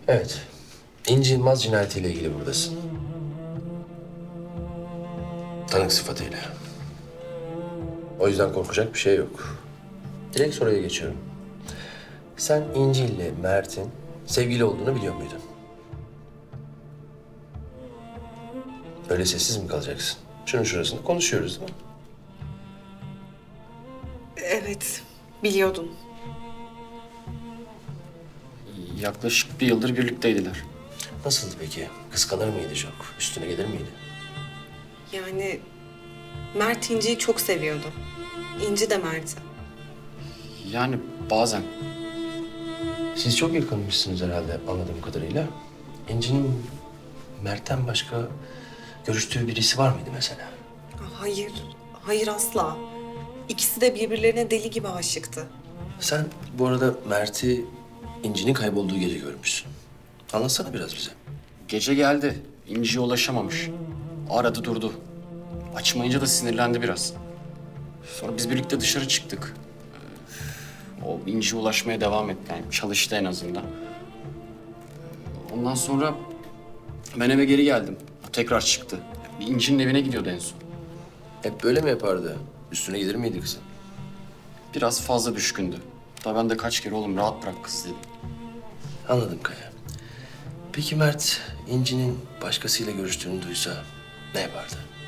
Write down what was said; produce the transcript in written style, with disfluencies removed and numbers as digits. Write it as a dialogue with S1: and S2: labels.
S1: Evet. İnci Yılmaz cinayetiyle ilgili buradasın. Tanık sıfatıyla. O yüzden korkacak bir şey yok. Direkt soruya geçiyorum. Sen İnci ile Mert'in sevgili olduğunu biliyor muydun? Öyle sessiz mi kalacaksın? Şunun şurasında konuşuyoruz değil mi?
S2: Evet, biliyordum.
S3: Yaklaşık bir yıldır birlikteydiler.
S1: Nasıldı peki? Kıskanır mıydı çok? Üstüne gelir miydi?
S2: Yani Mert İnci'yi çok seviyordu. İnci de Mert'i.
S3: Yani bazen.
S1: Siz çok yakınmışsınız herhalde anladığım kadarıyla. İnci'nin Mert'ten başka görüştüğü birisi var mıydı mesela?
S2: Hayır, hayır asla. İkisi de birbirlerine deli gibi aşıktı.
S1: Sen bu arada Mert'i İnci'nin kaybolduğu gece görmüşsün. Anlatsana biraz bize.
S3: Gece geldi. İnci'ye ulaşamamış. Aradı durdu. Açmayınca da sinirlendi biraz. Sonra biz birlikte dışarı çıktık. O İnci'ye ulaşmaya devam etti. Yani çalıştı en azından. Ondan sonra ben eve geri geldim. O tekrar çıktı. İnci'nin evine gidiyordu en son.
S1: Hep böyle mi yapardı? Üstüne gelir miydi kızın?
S3: Biraz fazla düşkündü. Hatta ben de kaç kere oğlum rahat bırak kız dedim.
S1: Anladım Kaya. Peki Mert İnci'nin başkasıyla görüştüğünü duysa ne yapardı?